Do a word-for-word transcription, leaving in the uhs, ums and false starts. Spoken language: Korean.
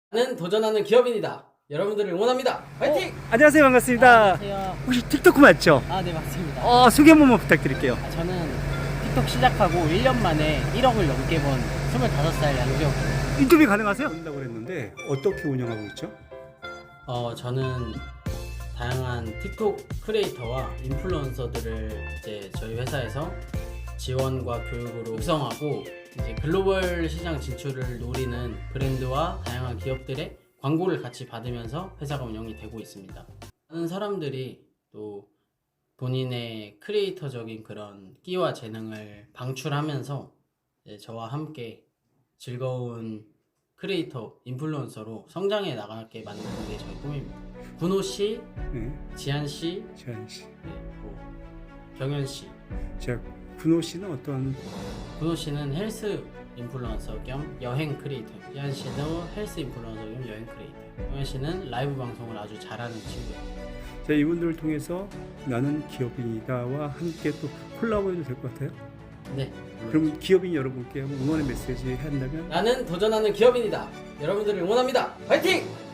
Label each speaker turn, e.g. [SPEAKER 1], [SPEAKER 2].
[SPEAKER 1] 나는 도전하는 기업인이다. 여러분들을 응원합니다. 화이팅!
[SPEAKER 2] 어, 안녕하세요. 반갑습니다.
[SPEAKER 3] 안녕하세요.
[SPEAKER 2] 혹시 틱토크 맞죠?
[SPEAKER 3] 아, 네, 맞습니다.
[SPEAKER 2] 어, 소개 한 번만 부탁드릴게요.
[SPEAKER 3] 아, 저는 틱톡 시작하고 일 년 만에 일억을 넘게 번 스물다섯 살 양재혁.
[SPEAKER 2] 인터뷰 가능하세요? 한다고 그랬는데 어떻게 운영하고 있죠?
[SPEAKER 1] 어, 저는 다양한 틱톡 크리에이터와 인플루언서들을 이제 저희 회사에서 지원과 교육으로 육성하고 이제 글로벌 시장 진출을 노리는 브랜드와 다양한 기업들의 광고를 같이 받으면서 회사가 운영이 되고 있습니다. 많은 사람들이 또 본인의 크리에이터적인 그런 끼와 재능을 방출하면서 이제 저와 함께 즐거운 크리에이터, 인플루언서로 성장해 나가게 만드는 게 저희 꿈입니다. 군호 씨,
[SPEAKER 2] 네,
[SPEAKER 1] 지한 씨,
[SPEAKER 2] 지한 씨.
[SPEAKER 1] 네, 뭐 경현 씨.
[SPEAKER 2] 자, 군호 씨는 어떤?
[SPEAKER 1] 군호 씨는 헬스 인플루언서 겸 여행 크리에이터. 지한 씨도 헬스 인플루언서 겸 여행 크리에이터. 경현 씨는 라이브 방송을 아주 잘하는 친구예요.
[SPEAKER 2] 자, 이분들을 통해서 나는 기업인이다와 함께 또 콜라보해도 될 것 같아요.
[SPEAKER 1] 네.
[SPEAKER 2] 그럼 기업인 여러분께 한번 응원의 메시지 한다면?
[SPEAKER 1] 나는 도전하는 기업인이다. 여러분들을 응원합니다. 화이팅!